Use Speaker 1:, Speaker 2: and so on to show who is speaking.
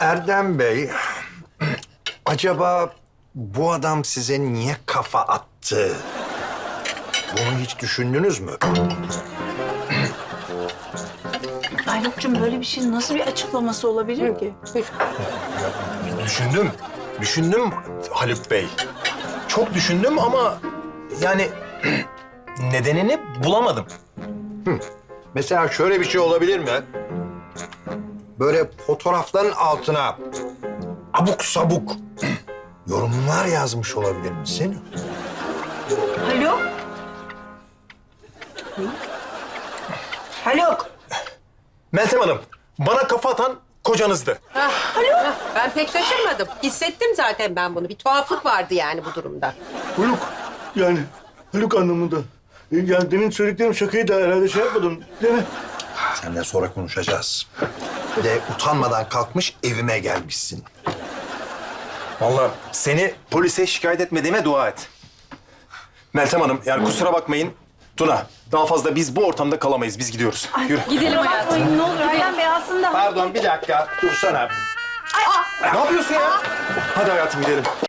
Speaker 1: Erdem Bey, acaba bu adam size niye kafa attı? Bunu hiç düşündünüz mü?
Speaker 2: Haluk'cum böyle bir şeyin nasıl bir açıklaması olabilir ki?
Speaker 3: Düşündüm Haluk Bey. Çok düşündüm ama yani nedenini bulamadım.
Speaker 1: Mesela şöyle bir şey olabilir mi? Böyle fotoğrafların altına abuk sabuk yorumlar yazmış olabilir misin?
Speaker 2: Haluk? Haluk!
Speaker 3: Meltem Hanım, bana kafa atan kocanızdı.
Speaker 4: Ben pek şaşırmadım. Hissettim zaten ben bunu. Bir tuhaflık vardı yani bu durumda.
Speaker 5: Haluk yani Haluk anlamında. Yani demin söylediklerim şakayı da herhalde şey yapmadım değil mi?
Speaker 1: Seninle sonra konuşacağız. Bir de utanmadan kalkmış evime gelmişsin.
Speaker 3: Vallahi seni polise şikayet etmediğime dua et. Meltem Hanım, yani kusura bakmayın. Tuna, daha fazla biz bu ortamda kalamayız. Biz gidiyoruz. Yürü.
Speaker 2: Gidelim hayatım. Ne olur Erdem Bey aslında...
Speaker 1: Pardon bir dakika dursana.
Speaker 3: Ne yapıyorsun ya? Hadi hayatım gidelim.